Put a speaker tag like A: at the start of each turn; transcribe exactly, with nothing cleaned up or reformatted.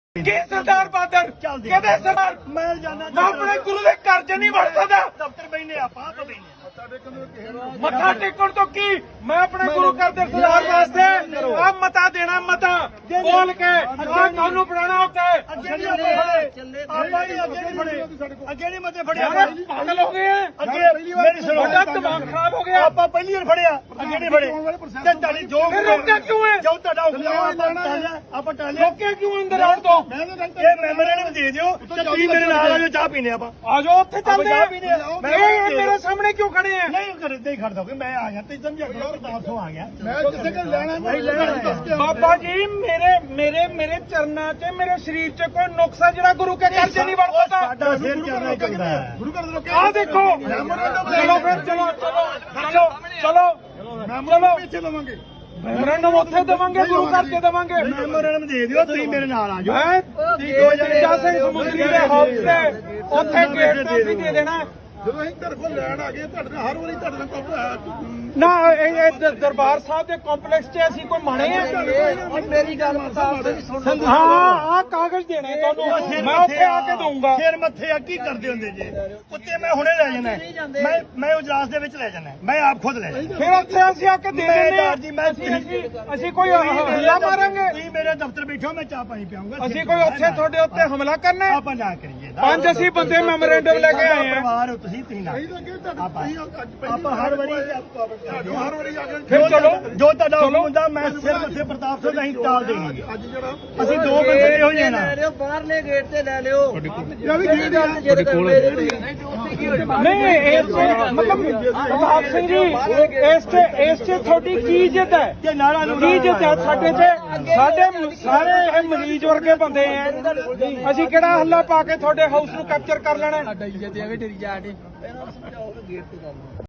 A: ਕੀ ਸਰਦਾਰ bother ਕਹਿੰਦੇ ਸਰਦਾਰ
B: ਮੈਂ ਜਾਣਾ
A: ਮੈਂ ਆਪਣੇ ਗੁਰੂ ਦੇ ਘਰ ਚ ਨਹੀਂ ਵੜ ਸਕਦਾ।
B: ਦਫ਼ਤਰ ਬੈਨੇ ਆਪਾਂ ਆਪ ਬੈਨੇ
A: ਮੱਥਾ ਟੇਕਣ ਤੋਂ ਕੀ ਮੈਂ ਆਪਣੇ ਗੁਰੂ ਘਰ ਦੇ ਸਰਦਾਰ ਵਾਸਤੇ ਆ ਮਤਾ ਦੇਣਾ ਮਤਾ ਬੋਲ ਕੇ ਆ ਤੁਹਾਨੂੰ ਪੜਾਣਾ ਉੱਤੇ
B: ਅੱਗੇ ਨਹੀਂ ਫੜੇ ਆਪਾਂ ਹੀ ਅੱਗੇ ਨਹੀਂ ਫੜੇ ਅੱਗੇ ਨਹੀਂ ਮਤੇ ਫੜਿਆ
A: ਯਾਰ ਪਾਗਲ ਹੋ ਗਏ ਆ
B: ਅੱਗੇ ਮੇਰੀ ਸੁਣੋ
A: ਤੁਹਾਡਾ ਦਿਮਾਗ ਖਰਾਬ ਹੋ ਗਿਆ।
B: ਆਪਾਂ ਪਹਿਲੀ ਵਾਰ ਫੜਿਆ ਅੱਗੇ ਨਹੀਂ ਫੜੇ ਤੇ ਤੁਹਾਡੀ ਜੋ
A: ਫਿਰ ਰੋਕਿਆ ਕਿਉਂ ਹੈ?
B: ਜੋ ਤੁਹਾਡਾ ਹੁਕਮ ਆਪਾਂ ਟਾਲਿਆ ਆਪਾਂ ਟਾਲਿਆ
A: ਰੋਕਿਆ ਕਿਉਂ ਅੰਦਰ ਆਉਣ ਤੋਂ?
B: ਇਹ ਮੈਮੋਰੈਂਡਮ ਦੇ ਦਿਓ ਤੇ ਤੁਸੀਂ ਮੇਰੇ ਨਾਲ ਆ ਜਾਓ ਚਾਹ ਪੀਣੇ ਆਪਾਂ
A: ਆ ਜਾਓ ਉੱਥੇ ਚੱਲਦੇ ਆ।
B: ਚਾਹ ਪੀਣੇ ਆ।
A: ਇਹ ਇਹ ਮੇਰੇ ਸਾਹਮਣੇ ਕਿਉਂ ਖੜੇ ਆ?
B: ਨਹੀਂ ਕਰ ਨਹੀਂ ਖੜ ਦੋਗੇ ਮੈਂ ਆ ਗਿਆ ਤੇ ਸਮਝਿਆ ਕਰੋ ਪ੍ਰਤਾਪ ਸਿੰਘ ਆ ਗਿਆ
C: ਮੈਂ ਕਿਸੇ ਕੋਲ ਲੈਣਾ
B: ਨਹੀਂ ਲੈਣਾ
A: ਬਾਬਾ ਜੀ ਮੇਰੇ ਮੇਰੇ ਮੇਰੇ ਚਰਨਾਂ 'ਚ ਮੇਰੇ ਸਰੀਰ 'ਚ ਕੋਈ ਨੁਕਸਾ ਜਿਹੜਾ ਗੁਰੂ ਕੇ ਘਰ 'ਚ ਨਹੀਂ ਵੜ ਸਕਦਾ।
B: ਸਾਡਾ ਸਿਰ ਚੱਲਣਾ ਚਾਹੀਦਾ ਹੈ
C: ਗੁਰੂ ਘਰ ਦੇ ਰੋਕਿਆ
A: ਆ ਦੇਖੋ ਚਲੋ ਫਿਰ ਚਲੋ ਚਲੋ ਚਲੋ ਚਲੋ
C: ਪਿੱਛੇ ਲਵਾਂਗੇ
A: ਮੈਮੋਰੈਂਡਮ ਉੱਥੇ ਦੇਵਾਂਗੇ ਗੁਰੂ ਘਰ 'ਚ ਦੇਵਾਂਗੇ।
B: ਮੈਮੋਰੈਂਡਮ ਦੇ ਦਿਓ ਤੁਸੀਂ ਮੇਰੇ ਨਾਲ ਆ ਜਾਓ
A: ਮੈਂ ਤੇਜਾ ਸਿੰਘ ਸਮੁੰਦਰੀ ਦੇ ਹਾਊਸ ਤੇ ਉੱਥੇ ਗੇਟ ਤੇ ਅਸੀਂ ਦੇ ਦੇਣਾ।
C: ਜਦੋਂ ਅਸੀਂ ਤੁਹਾਡੇ ਕੋਲ ਲੈਣ ਆ ਗਏ ਤੁਹਾਡੇ ਨਾਲ ਹਰ ਵਾਰੀ ਤੁਹਾਡੇ ਨਾਲ ਕੰਮ
A: ਨਾ ਇਹ ਇਹ ਦ- ਦਰਬਾਰ ਸਾਹਿਬ ਦੇ ਕੰਪਲੈਕਸ 'ਚ ਅਸੀਂ ਕੋਈ ਮਾਣੇ ਆ?
B: ਮੇਰੀ ਗੱਲ ਪ੍ਰਤਾਪ ਸਿੰਘ ਸੁਣ
A: ਹਾਂ ਆਹ ਕਾਗਜ਼ ਦੇਣੇ ਤੁਹਾਨੂੰ ਮੈਂ ਉੱਥੇ ਆ ਕੇ ਦਊਂਗਾ।
B: ਸਿਰ ਮੱਥੇ ਆ ਕੀ ਕਰਦੇ ਹੁੰਦੇ ਜੇ ਉੱਤੇ ਮੈਂ ਹੁਣੇ ਲੈ ਜਾਣਾ ਹੈ। ਮੈਂ ਮੈਂ ਉਜਲਾਸ ਦੇ ਵਿੱਚ ਲੈ ਜਾਣਾ ਹੈ। ਮੈਂ ਆਪ ਖੁਦ ਲੈ ਜਾਣਾ
A: ਫਿਰ ਉੱਥੇ ਅਸੀਂ ਆ ਕੇ ਦੇ
B: ਮੈਂ
A: ਦਿੰਦੇ ਆ।
B: ਜੀ ਮੈਂ
A: ਅਸੀਂ ਅਸੀਂ ਕੋਈ ਹਮਲਾ ਮਾਰਾਂਗੇ?
B: ਤੁਸੀਂ ਮੇਰੇ ਦਫ਼ਤਰ ਬੈਠੋ ਮੈਂ ਚਾਹ ਪਾਣੀ ਪਿਆਉਂਗਾ
A: ਅਸੀਂ ਕੋਈ ਉੱਥੇ ਤੁਹਾਡੇ ਉੱਤੇ ਹਮਲਾ ਕਰਨਾ ਹੈ?
B: ਆਪਾਂ ਨਾ ਕਰੀਏ
A: ਪੰਜ ਅਸੀਂ ਬੰਦੇ ਮੈਮੋਰੈਂਡਮ ਲੈ ਕੇ ਆਏ ਆ।
B: ਪਰਿਵਾਰ ਹੋ ਤੁਸੀਂ ਤੁਸੀਂ ਨਾ ਆਪਾਂ ਆਪਾਂ ਹਰ ਵਾਰੀ
C: ਹਰ ਵਾਰੀ ਆ ਕੇ
A: ਫਿਰ ਚਲੋ
B: ਜੋ ਤੁਹਾਡਾ ਹੁਕਮ ਹੁੰਦਾ ਮੈਂ ਸਿਰ ਮੱਥੇ ਪ੍ਰਤਾਪ ਸਿੰਘ ਅਸੀਂ ਟਾਲ ਦੇਣੀ
C: ਅੱਜ ਜਿਹੜਾ
B: ਅਸੀਂ ਦੋ ਬੰਦੇ ਇਹੋ ਜਿਹੇ ਨਾ
D: ਲੈ ਲਿਓ ਬਾਹਰਲੇ ਗੇਟ ਤੇ ਲੈ ਲਿਓ
C: ਇਹ ਵੀ ਗੇਟ ਆ
D: ਤੁਹਾਡੇ ਕੋਲ
A: ਨਹੀਂ ਇਸ 'ਚ ਮਤਲਬ ਪ੍ਰਤਾਪ ਸਿੰਘ ਜੀ ਇਸ 'ਚ ਇਸ 'ਚ ਤੁਹਾਡੀ ਕੀ ਇੱਜ਼ਤ ਹੈ?
B: ਕਿ ਨਾਰਾ ਨੂੰ
A: ਕੀ ਇੱਜ਼ਤ ਹੈ ਸਾਡੇ 'ਚ? ਸਾਡੇ ਸਾਰੇ ਇਹ ਮਰੀਜ਼ ਵਰਗੇ ਬੰਦੇ ਆ। ਅਸੀਂ ਕਿਹੜਾ ਹੱਲਾ ਪਾ ਕੇ ਤੁਹਾਡੇ ਹਾਊਸ ਨੂੰ ਕੈਪਚਰ ਕਰ ਲੈਣਾ?
D: ਸਾਡਾ ਇੱਜ਼ਤ ਐਵੇਂ ਡਰੀ ਜਾ ਕੇ ਇਹਨਾਂ ਨੂੰ ਸਮਝਾਓ ਕਿ ਗੇਟ ਤੇ ਜਾਣਾ